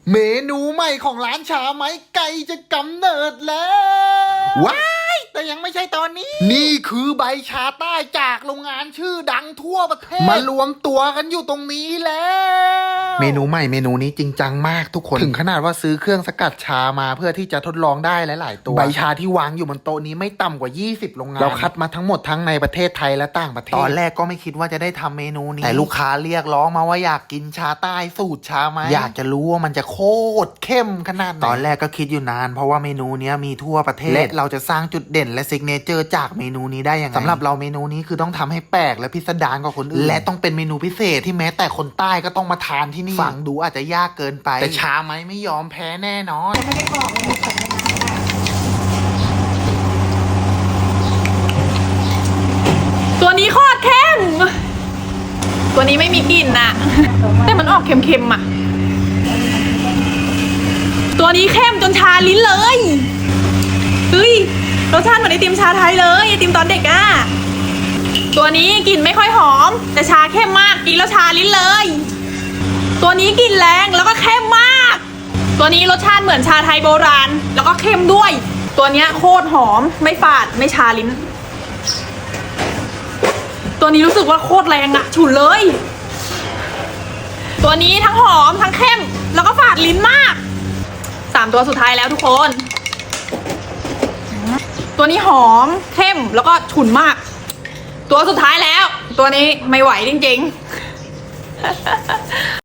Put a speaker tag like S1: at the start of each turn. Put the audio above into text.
S1: เมนูใหม่ของร้านชาไหมไก่จะกำเนิดแล้วว้ายแต่ยังไม่ใช่ตอนนี้นี่คือใบชาใต้จากโรงงานชื่อดังทั่วประเทศมารวมตัวกันอยู่ตรงนี้แล้วเมนูใหม่เมนูนี้จริงจังมากทุกคนถึงขนาดว่าซื้อเครื่องสกัดชามาเพื่อที่จะทดลองได้หลายๆตัวใบชาที่วางอยู่บนโต๊ะนี้ไม่ต่ำกว่า20โรงงานเราคัดมาทั้งหมดทั้งในประเทศไทยและต่างประเทศตอนแรกก็ไม่คิดว่าจะได้ทำเมนูนี้แต่ลูกค้าเรียกร้องมาว่าอยากกินชาใต้สูตรชาไหมอยากจะรู้ว่ามันจะโคตรเข้มขนาดไหนตอนแรกก็คิดอยู่นานเพราะว่าเมนูนี้มีทั่วประเทศและเราจะสร้างจุดเด่นและซิกเนเจอร์จากเมนูนี้ได้ยังไงสำหรับเราเมนูนี้คือต้องทำให้แปลกและพิสดารกว่าคนอื่นและต้องเป็นเมนูพิเศษที่แม้แต่คนใต้ก็ต้องมาทานที่นี่ฟังดูอาจจะยากเกินไปแต่ชาไหมไม่ยอมแพ้แน่นอน
S2: ไม่ได้บอกเลย
S3: ตัวนี้โคตรเข้มตัวนี้ไม่มีกลิ่นนะแต่มันออกเค็มๆอ่ะตัวนี้เข้มจนชาลิ้นเลยเฮ้ยรสชาติเหมือนไอติมชาไทยเลยไอติมตอนเด็กอ่ะตัวนี้กลิ่นไม่ค่อยหอมแต่ชาเข้มมากกินแล้วชาลิ้นเลยตัวนี้กลิ่นแรงแล้วก็เข้มมากตัวนี้รสชาติเหมือนชาไทยโบราณแล้วก็เข้มด้วยตัวเนี้ยโคตรหอมไม่ฝาดไม่ชาลิ้นตัวนี้รู้สึกว่าโคตรแรงอะฉุนเลยตัวนี้ทั้งหอมทั้งเข้มแล้วก็ฝาดลิ้นมาก3ตัวสุดท้ายแล้วทุกคนตัวนี้หอมเข้มแล้วก็ฉุนมากตัวสุดท้ายแล้วตัวนี้ไม่ไหวจริงๆ